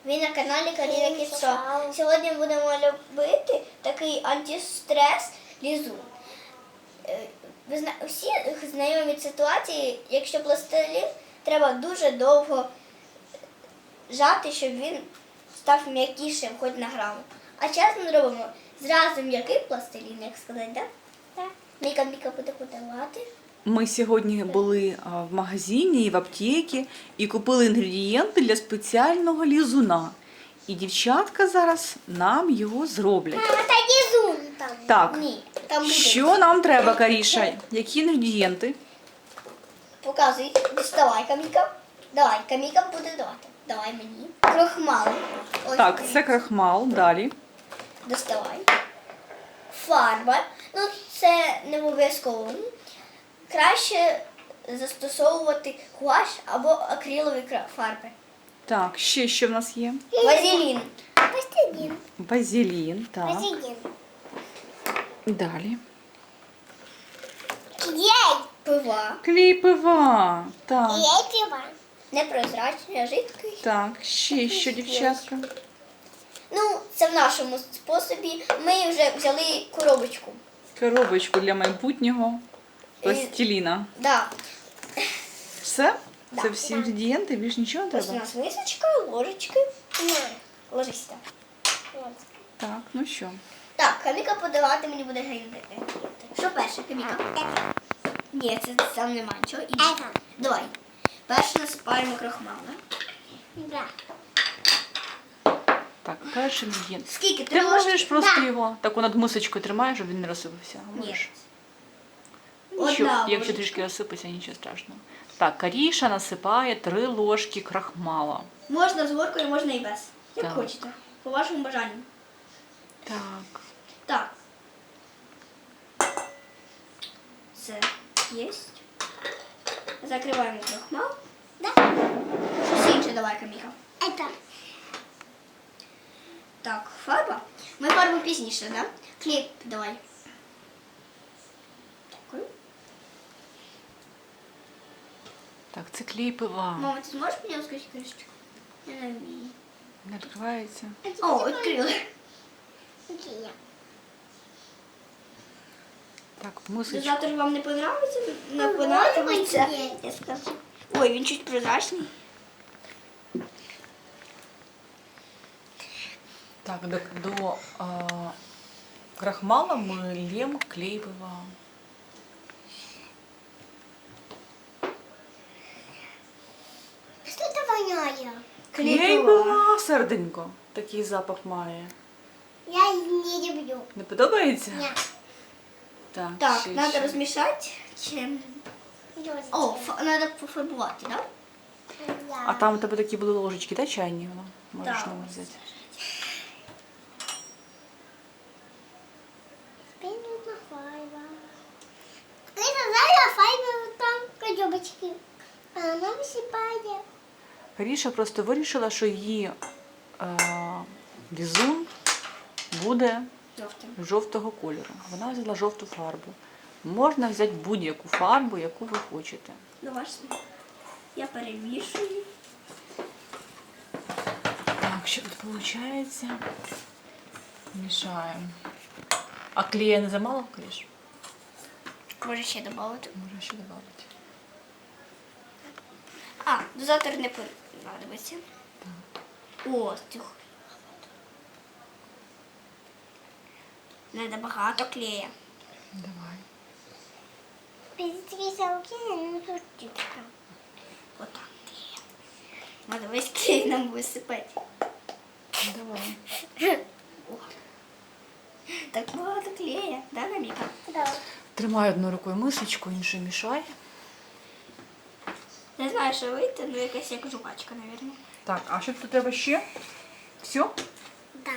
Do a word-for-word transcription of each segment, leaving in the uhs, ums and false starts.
Ви на каналі Каріна Кіцо. Сьогодні будемо робити такий антистрес лізун. Е, Ви зна... всі знайомі ситуації, якщо пластилін треба дуже довго жати, щоб він став м'якішим хоч на граму. А зараз ми робимо зразу м'який пластилін, як сказати, так? Так. Міка Міка буде подавати. Ми сьогодні були а, в магазині і в аптеці і купили інгредієнти для спеціального лізуна. І дівчатка зараз нам його зроблять. Мама, та лізун там. Так, Ні, там буде. що нам треба, Каріша? Які інгредієнти? Показуй, діставай, Каміка. Давай, Каміка буде давати. Давай мені. Крохмал. Ось Так, дивіться. це крахмал, далі. Доставай. Фарба. Ну, це не обов'язково. Краще застосовувати гуаш або акрилові кра- фарби. Так, ще що в нас є? Вазелін. Вазелін. Базилін, так. Вазелін. Далі. Клей. Пива. Клей пива. Так, Клей пива. Непрозрачний, а жидкий. так, ще що, дівчатка? Ну, це в нашому способі. Ми вже взяли коробочку. Коробочку для майбутнього пластиліна. Да. Все? Да. Це всі інгредієнти, більш нічого не Ось у треба? нас мисочка, ложечки. Ложись там. Так, ну що? Так, Каміка подавати мені буде інгредієнти. Що перше, Каміка? Ні, це там немає нічого. І... Давай. Перше насипаємо крахмал, да? Так, перший інгредієнт. Скільки? Ти Три ложки? можеш просто його так над мисочкою тримаєш, щоб він не розсипався. Ні. Можеш. Одна Нічого, якщо ложечка. трішки розсипеться, нічого страшного. Так, Каріша насипає три ложки крахмала. Можна з горкою, можна і без. Як Так. хочете. По вашому бажанню. Так. Так. Це є. Закриваємо крахмал. Да. Щось інше давай, Каміка. Это. Так, фарба. Ми фарбу пізніше, да? Клей давай. Дякую. Так, це клей пива. Мама, ти зможеш мені розкрити кришечку? Я не вмію. Не відкривається. О, відкрили. Так, в мисочку. Дозатор вам не понравиться? Не понравиться? Я скажу. Ой, він чуть прозрачний. Так, до, до а, крахмала ми лємо клей пива. Що це воняє? Клей пива, серденько. Такий запах має. Я не люблю. Не подобається? Ні. Так, Так, ще, треба ще. розмішати. Чим? О, треба пофарбувати, так? А там у тебе такі були ложечки, та чайні? Воно можеш Так. нову взяти. Ти сказала файно там коробочки. А вона висипає. Каріша просто вирішила, що її е, візун буде Жовтим. жовтого кольору. Вона взяла жовту фарбу. Можна взяти будь-яку фарбу, яку ви хочете. Ну, ваш смак. Я перемішую. Так, що тут виходить? Мішаємо. А клея не замало, Каріш? Може ще додати. Може ще додати. А, дозатор не понадобиться. О, тихо. Надо багато клея. Давай. Перетрися руки, ну тут чутка. Вот так клея. Надо весь клей нам висипати. Давай. О. Так багато клея, да, Каміка? Да. Тримай одною рукою мисочку, іншою мішай. Не знаю, що вийти, ну якась як жувачка, мабуть. Так, а що тут треба ще? Все? Так.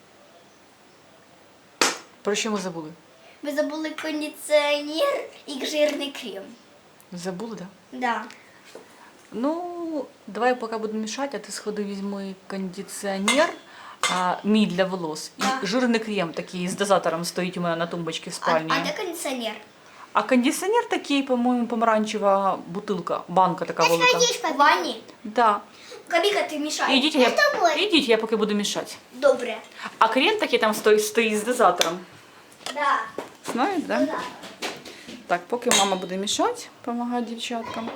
Про що ми забули? Ми забули кондиціонер і жирний крем. Забули, так? Да? Да. Ну, давай поки будемо мішати, а ти сходи візьми кондиціонер, а, мій для волос. І Так. жирний крем такий з дозатором стоїть у мене на тумбочці в А, спальні. а де кондиціонер? А кондиціонер такий, по-моєму, помаранчева бутилка, банка така велика. В ванні? Да. Каміка, ти мішаєш. Ідіть, я, ідіть, я поки буду мішати. Добре. А крем такий там стоїть, стоїть з дозатором. Да. Знаєте, да? Да. Так, поки мама буде мішати, допомагати дівчаткам.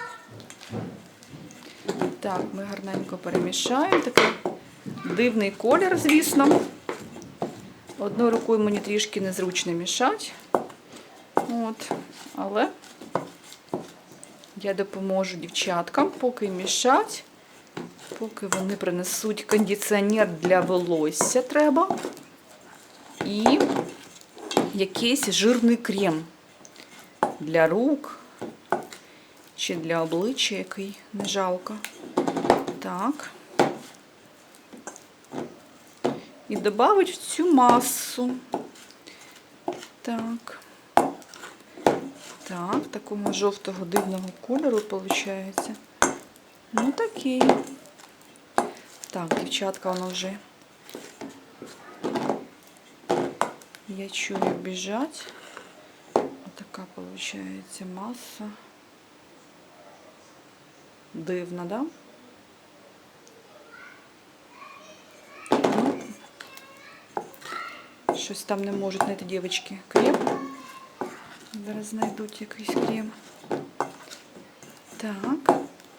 Так, ми гарненько перемішаємо. Такий дивний колір, звісно. Одною рукою мені трішки незручно мішати. От. Але я допоможу дівчаткам, поки мішать, поки вони принесуть кондиціонер для волосся треба. І якийсь жирний крем для рук чи для обличчя, який не жалко. Так. І додати в цю масу. Так. Так, такого жовтого дивного кольору виходить. Ну такий. Так, дівчатка, воно вже. Я чую біжать. Отака виходить маса. Дивна, да? Ну, щось там не можуть знайти дівчатки крем. Зараз знайдуть якийсь крем. Так.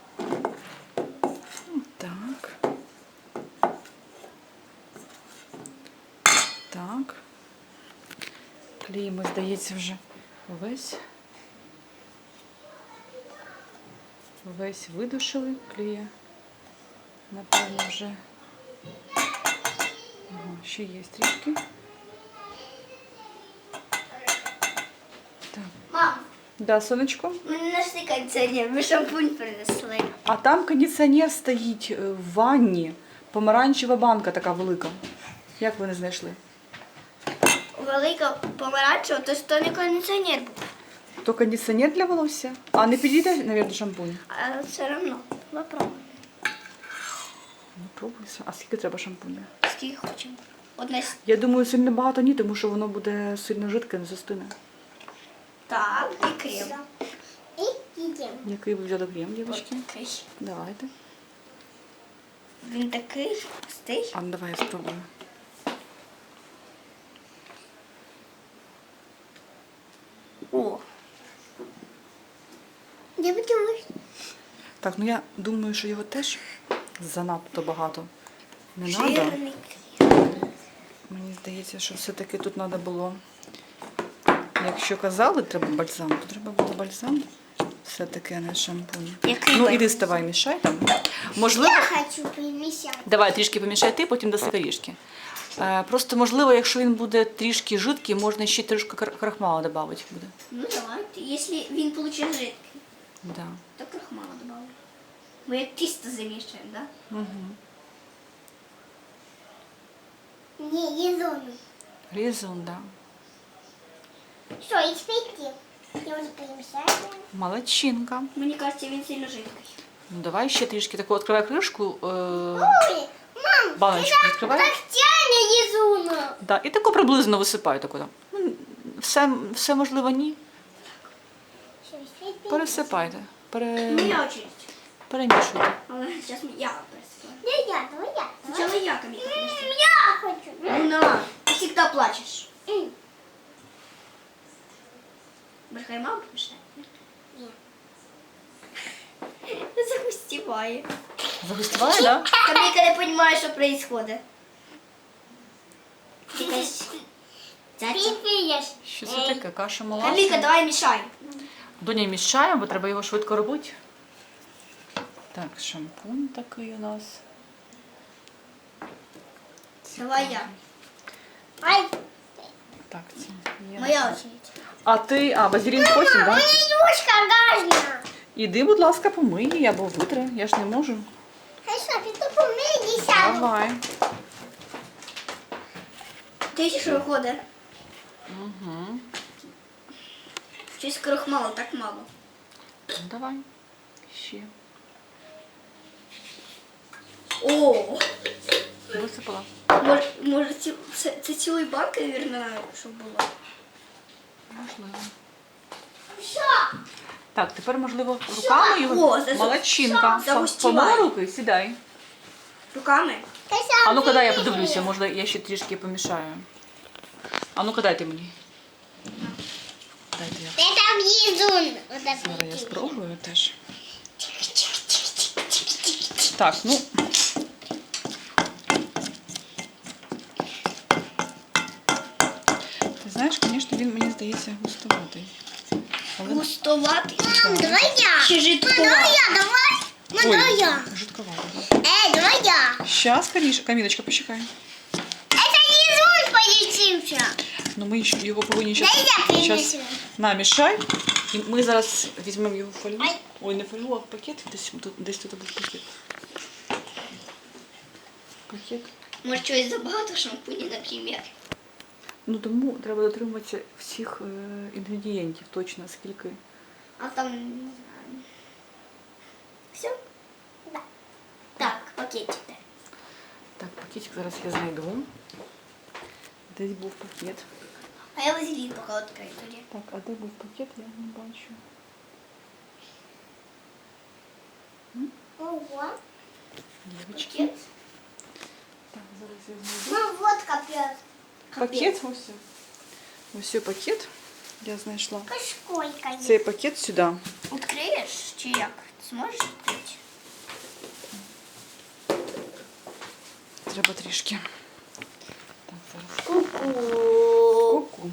Так. Так. Клей ми, здається, вже весь. Весь видушили клея. Напевно, вже. Ага, ще є трішки. Так. Мам, Да, сонечко. ми не знайшли кондиціонер, ми шампунь принесли. А там кондиціонер стоїть е, в ванні. Помаранчева банка така велика. Як ви не знайшли? Велика помаранчева, то що не кондиціонер був. То кондиціонер для волосся. А не підійде, мабуть, шампунь? А все одно, попробуй. Ну, пробуй. А скільки треба шампуня? Скільки хочемо. Одна с- Я думаю, сильно багато ні, тому що воно буде сильно жидке, не застине. Так, і крем. І їдемо. Який ви взяли крем, дівчатки? Такий. Давайте. Він такий густий. А ну давай я спробую. О. Я подумаю. Так, ну я думаю, що його теж занадто багато не треба. Жирний крем. Мені здається, що все-таки тут треба було, якщо казали, треба бальзам, то треба було бальзам. Все-таки, а не шампунь. Який Ну, бальзам? іди ставай, мішай там. Можливо, хочу примішати. давай трішки помішай ти, потім даси корішки. Е, Просто, можливо, якщо він буде трішки жидкий, можна ще трішки кар- крахмала додати буде. Ну давайте, якщо він получить жидкий, Да. то крахмала добавлю. Ми як тісто замішуємо, так? Угу. Ні, є зону. Різун, да. Що, і спійти? Я вже перемішаю. Молодчинка. Мені кажеться, він сильно жидкий. Ну, давай ще трішки таку відкривай кришку, е, Ой, мам, баночку відкривай. тяне є зона. Да, і таку приблизно висипай таку там. Ну, все, все можливо, ні. Пересипайте. Пере... Моя очередь. Перемішуйте. Але зараз я пересипаю. Не я, давай я. Спочатку я, Каміка, подожди. Я хочу. Ну на, ти завжди плачеш. М. Брехай мама помішає? Ні. Загустіває. Загустіває, да? Каміка не розуміє, що відбувається. Якась цяця. Піпієш. Що це таке? Каша молока? Каміка, давай мішай. Доня мішаємо, бо треба його швидко робити. Так, шампунь такий у нас. Давай я. Ай, Так, це є. Моя очередь. А ти, а, базилін потім, так? Да? юшка гажна. Іди, будь ласка, помий її або витри, я ж не можу. Хай що, ти то помий, сяду. Давай. Ти ще що виходить? Угу. Щось крохмалу, так мало. Ну, давай. Ще. О! Висипала. Може, може ці, це, це цілої банки, мабуть, щоб було. Можливо. Що? Так, тепер, можливо, руками його. О, за- Молодчинка. загущувай. Помила руки, сідай. Руками. А ну-ка дай я подивлюся, може я ще трішки помішаю. А ну-ка дайте мені. Дайте я. Это лизун. Вот Зараз я это. спробую теж. Так, ну. Ти знаєш, звісно, він мені здається густуватий. Але... Густоватий. Мам, давай я. Чи Мам, жидкуватий? давай я, давай. Мам, давай я. жидковатий. Эй, давай я. Щас, Камілочка, Камілочка, почекай. Это лизун полетимся. Ну ми ще- його повинні Дай я зараз принесу. намішай. І ми зараз візьмемо його в фольгу. Ай. Ой, не фольгу, а пакет. Десь тут, десь тут був пакет. Пакет. Може, чогось забагато шампуні, наприклад. Ну тому треба дотримуватися всіх е, інгредієнтів, точно скільки. А там, не знаю. Все? Да. Так, пакетик. Так, пакетик зараз я знайду. Десь був пакет. А я вазелін поки відкрию тоді. Так, а де був пакет, я не бачу. Ого. Дівчатки. Пакет? Так, зараз я знайду. Мам, вот капец. Пакет ось. Ось пакет я знайшла. Сколько есть? Цей пакет сюди. Відкриєш чи як? Ти зможеш відкрити? Треба трішки. Так, зараз. Ку-ку. Ку-ку.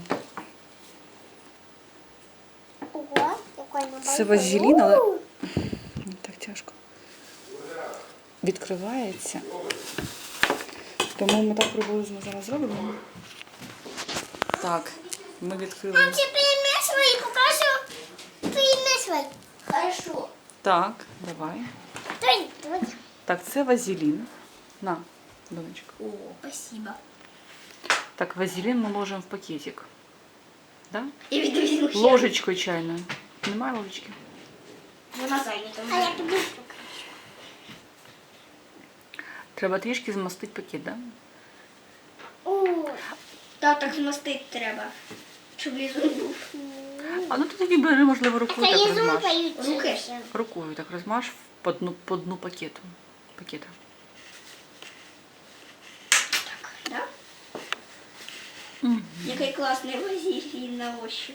Ого, какой набор. Це вазелін, але не так тяжко. Відкривається. Тому ми так приблизно зараз зробимо. Так, ми відкрили. Мам, ты перемешивай, покажу. Перемешивай. Хорошо. Так, давай. Давай, давай. Так, це вазелін. На, донечка. О, спасибо. Так, вазелін ми ложимо в пакетик. Да? І відвізьму ще. Ложечкою чайною. Немає ложечки? Вона зайнята. А я піду. Треба трішки змастити пакет, да? О, Так, так змастити треба. Щоб лізун був. А ну ти тоді бери, можливо, рукою это так лизун розмаш. полетимся. Рукою так розмаш по дну, по дну пакету. Пакета. Так, да? Мгм. Який класний вазелін на ощупь.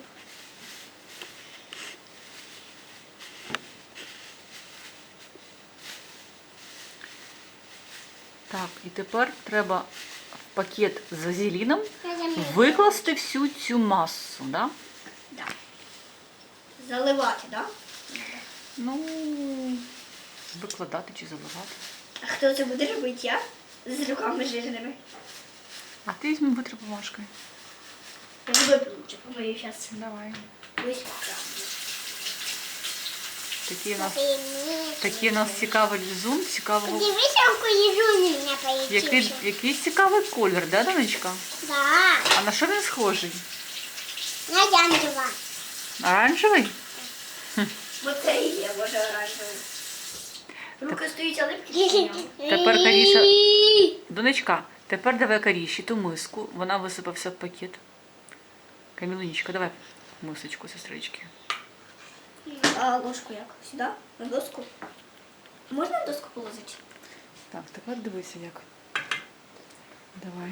Так, і тепер треба в пакет з вазеліном Я замерзла. викласти всю цю масу, да? Да. Заливати, да? Ну, викладати чи заливати. А хто це буде робити? Я? З руками жирними. А ти візьми витри бумажкою. Я буду лучше помию зараз. Давай. Ось. Такий у нас, Перемешивай. такий у нас цікавий лізун, цікавого. Дивись, какой лизун у меня Який, полетился. який цікавий колір, да, донечка? Да, А на що він схожий? на оранжево. Оранжевий? Бо це і є, боже, оранжевий. Руки стоять, а липкі. Тепер Каріша. Донечка, тепер давай Каріші ту миску. Вона висипався в пакет. Камілунічка, давай мисочку, сестрички. А ложку як? Сюди? На доску? Можна на доску положити? Так, тепер дивися як. Давай.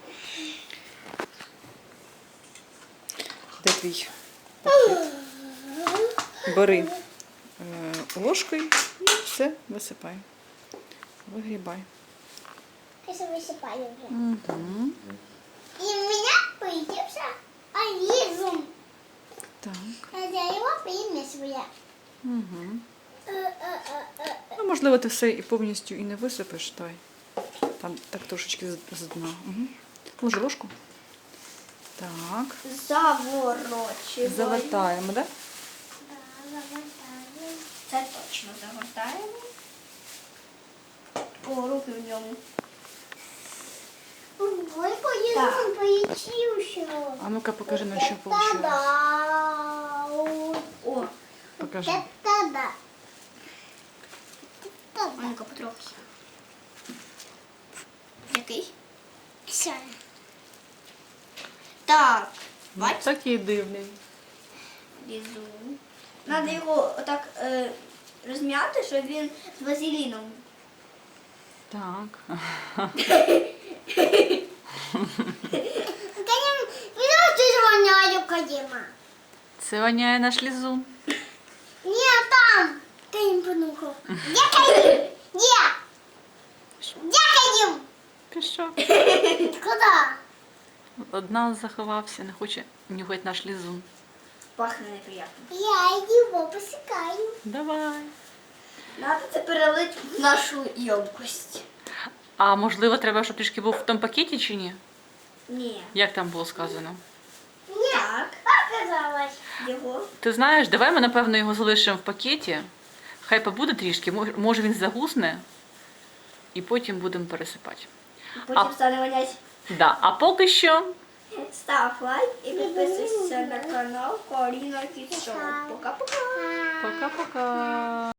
Де твій пакет? Бери е, ложкою і все висипай. Вигрібай. Сейчас высыпаю уже. Угу. И у меня полетелся лизун. Так. Я его перемешиваю. Угу. Э-э-э-э. Ну, можливо, ти все і повністю і не висипеш. Давай. Там так трошечки з, з дна. Угу. Ложи ложку. Так. Заворочуємо. Завертаємо, так? Да? Да, завертаю. Це точно загортаємо. О, руки в ньому. Ой, лизун полетелся. А ну-ка покажи, на що вийшло. Та-да. О, Покажи. Та-да. а ну-ка потрохи. Який? Все. Так, бач, Такий дивний. лізун. Треба його отак е, розм'яти, щоб він з вазеліном. Так. Канем, видно, ты звоняю, Кадима. Це воняє наш лізун. Нет, там. Канем понюхал. Где Кадим? Где? Где Кадим? Пішов. Куда? Одна заховався, не хоче нюхати наш лізун. Пахне неприємно. Я его посекаю. Давай. Треба це перелити в нашу ємкость. А можливо, треба, щоб трішки був в тому пакеті чи ні? Ні. Як там було сказано? Нет, Так. оказалось. Його. Ти знаєш, давай ми, напевно, його залишимо в пакеті. Хай побуде трішки, мож- може він загусне, і потім будемо пересипати. Потім А- стане вонять. Да. А поки що Став лайк і підписуйся на канал Каріна Кіт Шоу. Пока-пока. пока-пока.